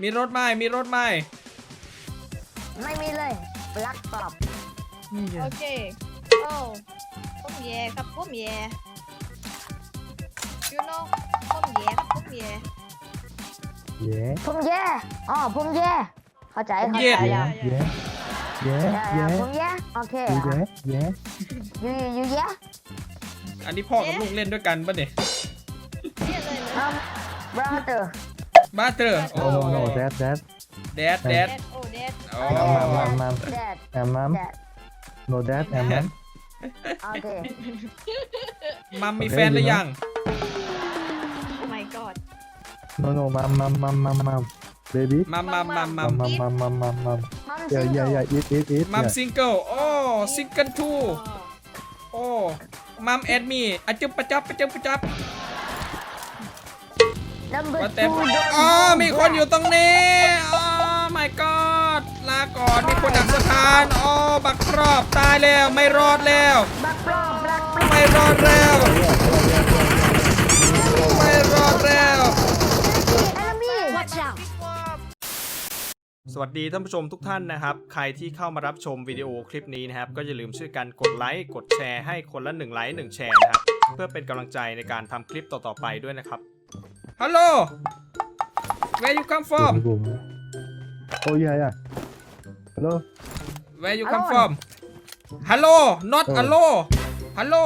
มีรถไหมมีรถไหมไม่มีเลยรักตอบนี่ไงโอเคโอ้ผมแย่ครับผมแย่ you know ผมแย่ครับผมแย่ Yeah. ผมแย่อ๋อผมแย่เข้าใจเข้าใจ Yeah. แล้ว Yeah. อย่า Yeah. ผมแย่โอเค Yeah. Yeah. ยูแย่อันนี้พ่อกับลูกเล่นด้วยกันปะเนี่ยเรียกเลยเลย brother บ้าเตอร์ Oh no no that แดดแดแดดดโอ้แดดโอ้ Mom. dad And mom. dad No dad and mom. โอเคมัมมีแฟนหรือยังโอ้ my god No no mom. Baby. มัม Mom. มัม Yeah ซิง yeah เกิล yeah eat. มัม Yeah. ซิงเกิลโอ้ซิงเกิลทู โอ้มัมแอดมี่อะจุบประจับประจับประจับ number ว่าแต่ two อ๋อมีคนอยู่ตรงนี้อ๋อ my god ลาก่อนมีคนดักสถานอ๋อบักครอบตายแล้วไม่รอดแล้วบักปลอมบักปลอมไม่รอดแล้วไม่รอดแล้ว enemy watch out สวัสดีท่านผู้ชมทุกท่านนะครับใครที่เข้ามารับชมวิดีโอคลิปนี้นะครับก็อย่าลืมช่วยกันกดไลค์กดแชร์ให้คนละ1 ไลค์ 1 แชร์นะครับเพื่อเป็นกำลังใจในการทำคลิปต่อๆไปด้วยนะครับฮัลโหล where you come from Boom. Oh yeah. Hello. where you come from hello not hello hello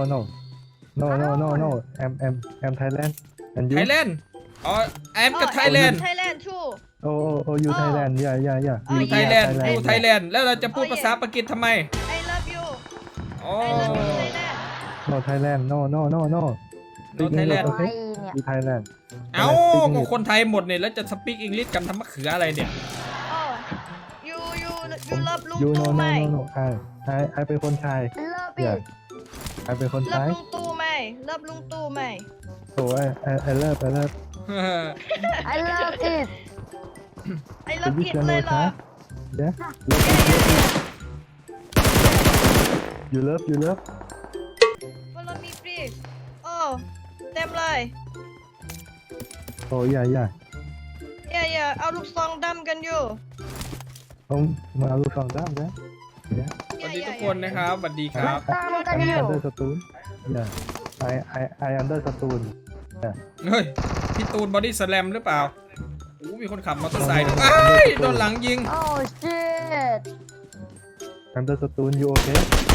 No. I'm Thailand. And you? Thailand อ๋อ I'm กับ Thailand Thailand too Oh you Thailand. Yeah. อยู่ Oh, Thailand yeah. อยู่ Thailand แล้วเราจะพูด Oh, yeah. ภาษาปากีสทำไม I love you อ๋อ I love you Thailand No Thailand. No. No Speak Thailand English, ไว้ okay? เนี่ย You Thailand. เอ้าก็คนไทยหมดเนี่ยแล้วจะสปีกอังกฤษกันทำมะเขืออะไรเนี่ย oh you love ลุง You ตู่ไหม no. I เป็นคนไทย love Yeah. it I เป็นคนไท love ยลุงตู่ไหม love ลุงตู่ไหม So I love. I love it I love Speak it เลยเหรอ Yeah. You love. follow me please โอ้เต็มเลย Oh yeah. อย่าเอาลูกซองดำกันอยู่ผมมาเอาลูกซองด้ามนะสวัสดีทุกคนนะครับสวัสดีครับตามกันอยู่ Under Stone. Yeah. I Under Stone. เฮ้ยพี่ตูนบอดี้สแลมหรือเปล่าโอ้มีคนขับมอเตอร์ไซค์ด้วยอ้ายโดนหลังยิงโอ้ shit Under Stone. You okay?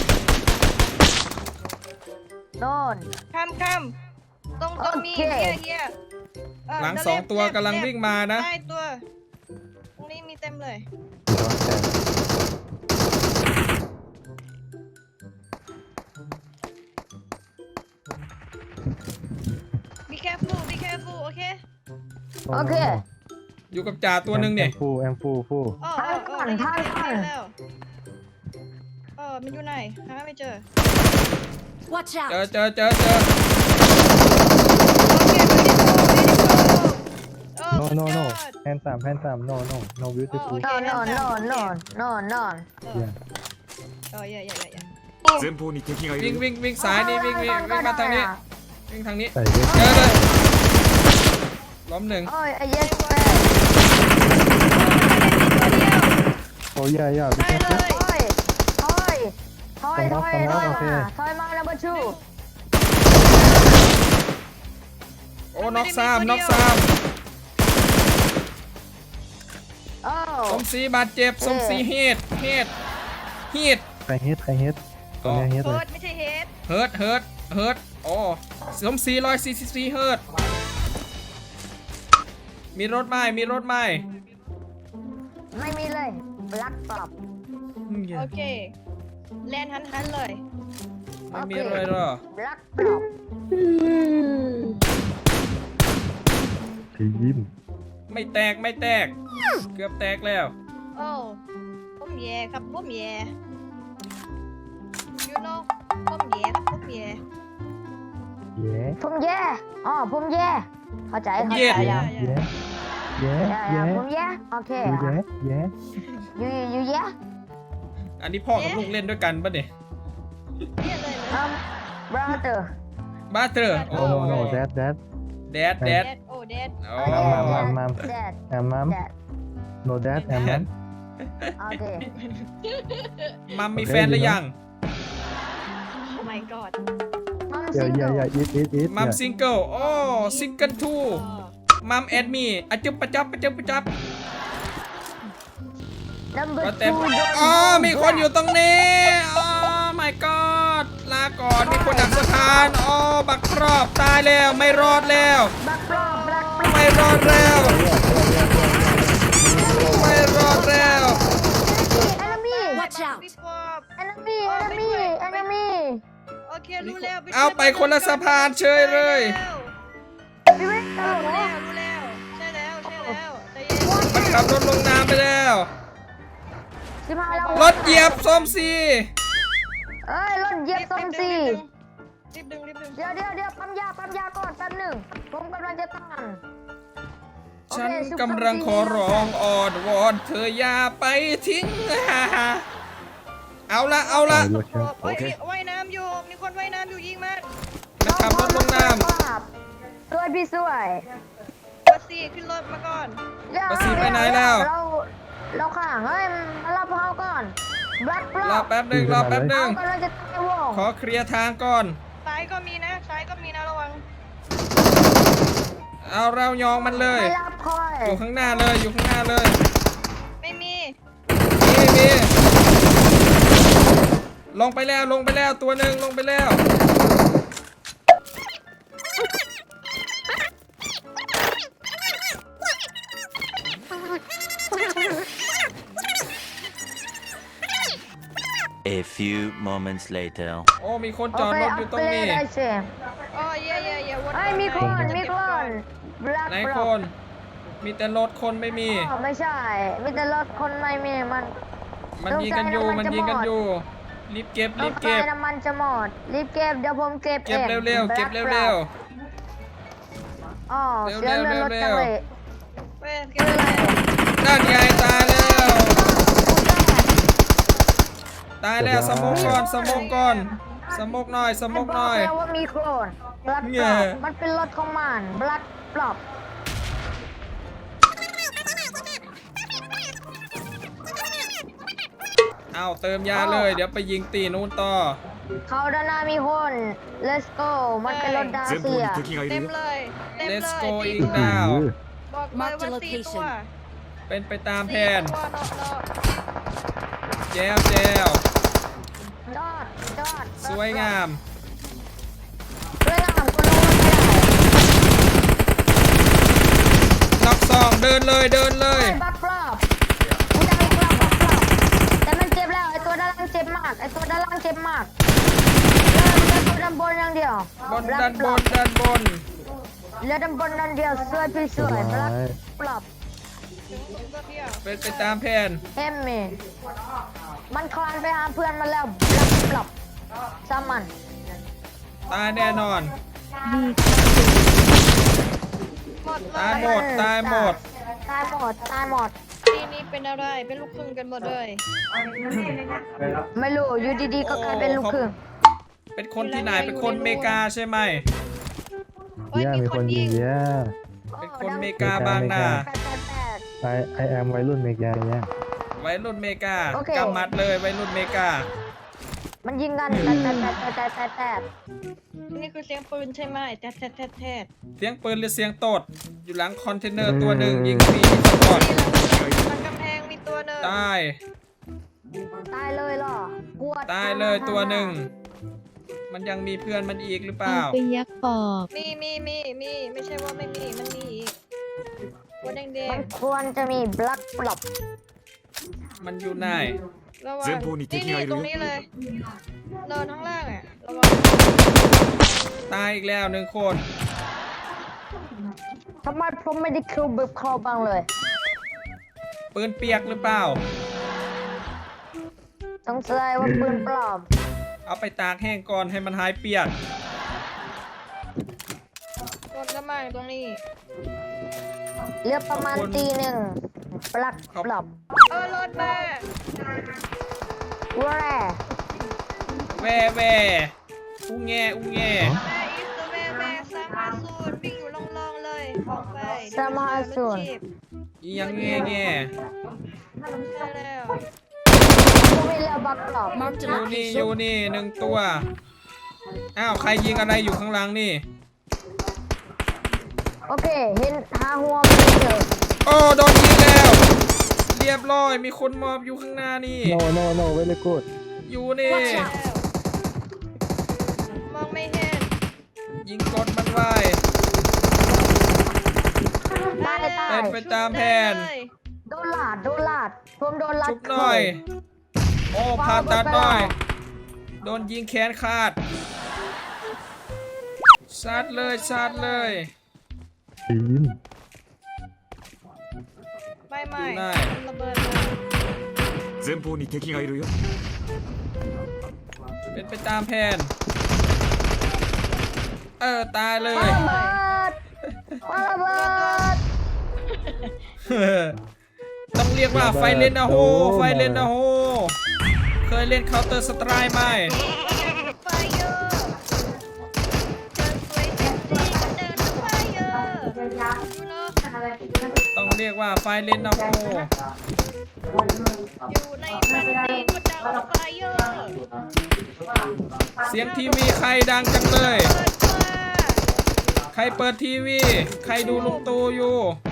โดนข้ามต้องมีโอเคเฮียหลังสองตัวกำลังวิ่งมานะได้ตัวตรงนี้มีเต็มเลย be careful โอเคโอเคอยู่กับจ่าตัวหนึ่งเนี่ย I'm full. อ๋อท่านแล้วมันอยู่ไหนหาไม่เจอ Watch out! เจอโอเค No. Hands up. No beautiful. no no no no no Yeah. อย่า前方に敵がいวิ่งるよวิ่งซ้ายนี่วิ่งมาทางนี้วิ่งทางนี้ใส่เยอะเจอเลยล้มหนึ่งโอ้ย yes man Oh yeah. ได้เลยถอยมาโอเคถอยมา number two โอ้น็อกซ้ำโอ้สมศรีบาดเจ็บสมศรีเฮดใครเฮ็ดตัวนี้เฮ็ดโคเลยตรไม่ใช่เฮดเฮิร์ตโอ้สมศรี144เฮิร์ตมีรถไหมไม่มีเลยรักตอบโอเคแลนหันเลยไม่มีเลยเหรอรักตอบทีมไม่แตกเกือบแตกแล้วโอ้ผมแย่ครับผมแย่ you know ผมแย่ครับผมแย่เย้ผมแย่อ๋อผมแย่เข้าใจเย็ดอย่าเย้ผมแย่โอเคเย้ you แย่อันนี้พ่อกับลูกเล่นด้วยกันปะเนี่ยเรียกเลยเลย brother บ้าเตอร์โอ้ No that แดดแดดโอ้แดดโอ้ Mom. Dad Mom. Dad No dad. Mom. โอเคมัมมีแฟนหรือยัง Oh my god Mom Yeah, single yeah, yeah. Eat. มัม Yeah. ซิงเกิลโอ้ซิงเกิลทูมัมแอดมีอะจุบปะจับปะจับปะจับ Number ก็เต็ม 2 อ๋อมีคนอยู่ตรงนี้อ๋อ my god ลาก่อนมีคนดักสถานอ๋อบักครอบตายแล้วไม่รอดแล้ว Black Block Black ไม่รอดแล้วไม่รอดแล้ว Enemy Watch out! พี่ปอบ Enemy Enemy Enemy โอเครู้แล้วเอาไปคนละสะพานเฉยเลยพี่เว้ยตลกรู้เหรแล้อวรู้แล้วใช่แล้วใช่แล้วใจเย็นมันขับรถลงน้ำไปแล้วชิบหายแล้วรถเหยียบส้มซีเอ้ยรถเหยียบส้มสีรีบดึงเดี๋ยวปั๊มยาก่อนแป๊บหนึ่งผมกำลังจะต้านฉันกำลังขอร้องอ่อนวอนเธออย่าไปทิ้ง เอาละ Look โอ้ here. ยว่ายน้ำอยู่มีคนว่ายน้ำอยู่ยิงมันมันขับรถลงน้สวยพี่สวยบัสซี่ขึ้นรถมาก่อนบัสซี่ไปไหนแล้วเราข้างเฮ้ยมารับเขาก่อนแบล็คบล็ำรออก แป๊บหนึ่งเรากำลังจะตายวงขอเคลียร์ทางก่อนซ้ายก็มีนะระวังเอาเรายองมันเลยไม่รับคอยอยู่ข้างหน้าเลยอยู่ข้างหน้าเลยไม่มีมีลงไปแล้วตัวหนึ่งลงไปแล้ว A few moments later. โอ้มีคนจอดรถอยู่ตรงนี้ได้เชฟอ๋อเย่วนเฮ้ยมีคนแบล็คไหนบคล็อกน มีแต่รถคนไม่มีไม่ใช่มีแต่รถคนไม่มีมันมันยิงกันอยู่ต้องใช้น้ำมันมันยิงกันจะหมดอยู่ รีบเก็บรรีถบไฟเก็บน้ำมันจะหมดรีบเก็บเดี๋ยวผมเก็บเก็บองเร็วๆ เก็บ Black เร็ว Block อ๋อเร็วๆเสียเลือดรถจังเลยเว้ยเก็บอะไรๆนั่นไงตายแล้ว ตายแล้วสมกก่อนสมกก่อนสมกหน่อยสมกหน่อยบอกแล้วว่ามีโคลน Black เนี่ย Block มันเป็นรถของมัน Black Block เอาเติมยาเลย เดี๋ยวไปยิงตีนู้นต่อเขาด้านหน้ามีคน Let's go มันเป็นรถดา前เซี方ยに敵がいเต็るมよเลยเต็ม Let's เลย go สี่ in ตัว now บอกเลยว่า Mark the สี่ตัว location เป็นไปตามแผนสี่ตัวนอกแจวจอดสวยงามสวยงามคนรู้ไม่ได้ล็อกซองเดินเลยไอ้บักฟลอปกูจะให้กลับบักฟลอปแต่มันเจ็บแล้วไอ้ตัวด้านล่างเจ็บมากเหลือตัวด้านบนอย่างเดียวบนด้านบนเหลือด้านบนอย่างเดียวสวยพี่สวยบักฟลอปถึงตัวเดียวเป็นไปตามแผนเฮมมี่มันคลานไปหาเพื่อนมันแล้วบักฟลอปซ้ำมันตายแน่นอนหมดเลตายยหมดตายหมดทีนี้เป็นอะไรเป็นลูกครึ่งกันหมดเลยไม่รู้อยู่ดีๆก็กลายเป็นลูกครึ่งเป็นคนที่ไหน เป็นคนอเมริกาใช่ไหมเฮ้ย Yeah, มีมีคคน นยิยิงง Yeah. เป็นคนอเมริกาบางนา I am วัยรุ่นเมกา Yeah. วัยรุ่นอเมริกาโอเคกำมัดเลยวัยรุ่นอเมริกามันยิงกันแต่นี่คือเสียงปืนใช่ไหมแทดเสียงปืนหรือเสียงตด อยู่หลังคอนเทนเนอร์ตัวหนึ่งยิงฟรีสปอร์ตหลังกำแพงมีตัวหนึ่งตายตายเลยเหรอกลัวตายเลยตัวหนึ่ง มันยังมีเพื่อนมันอีกหรือเปล่าไปยักปอกมีไม่ใช่ว่าไม่มีมันมีอีกตัวแดมังนควรจะมีบลักปลอบมันอยู่ไหนๆระวัง前方に敵がいตรงるนี้よเลยเดินข้างล่างอ่ะระวังตายอีกแล้วหนึ่งคนทำไมผมไม่ได้คิวแบบเขาบ้างเลยปืนเปียกหรือเปล่าสงสัยว่าปืนปลอมเอาไปตากแห้งก่อนให้มันหายเปียกกดกระมังตรงนี้เหลือประมาณตีหนึ่งบลักปลอบรถมาว่าแร่แวอู้แงแม่อีสแม่สร้างมาสูตรวิ่งอยู่ล่องๆเลยของแฟ 350 อีหยังแง่แง่ได้แล้วกูมีแล้วบักกรอบ Marked a อยู่นี่ location. หนึ่งตัว อ้าว ใครยิงอะไรอยู่ข้างหลังนี่โอเคเห็นหาหัวมันเจอโอ้ โดนยิงแล้ว เรียบร้อย มีคนมอบอยู่ข้างหน้านี่ no very good อยู่นี่ Watch out มองไม่เห็นยิงกดมันไว้ตายตายเป็นไปตามแผนได้เลยโดนลาดผมโดนลัดชุบหน่อย โอ้ผ่าตัดหน่อย โดนยิงแขนขาดซัดเลยซัดเลยปีนไม่ไม่ได้มันระเบิดมา前方に敵がいるよเป็นไปตามแผน ตายเลยระเบิดมาระเบิดต้องเรียกว่าไฟเลนนะโฮ ไฟเลนนะโฮ เคยเล่น Counter Strike ไหมไฟเยอร์เดินสวยเซ็กซี่ก็เดินไฟเยอร์ยูโน่ต้องเรียกว่าไฟเลนนะโฮอยู่ในมันดีก็ดังไฟเยอร์เสียงทีวีใครดังจังเลยเปิดมาใครเปิดทีวี ใครดูลุงตู่อยู่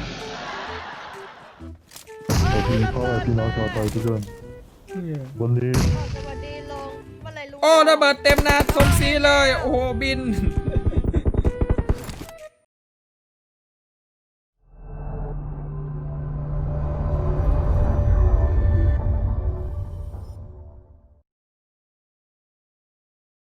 สวัสดีพ่อพี่น้องชาวไทยทุกคนวันนี้สวัสดีลงเมื่อไหรลุงโอ้ระเบิดเต็มหนาสมศรีเลย โอ้โหบิน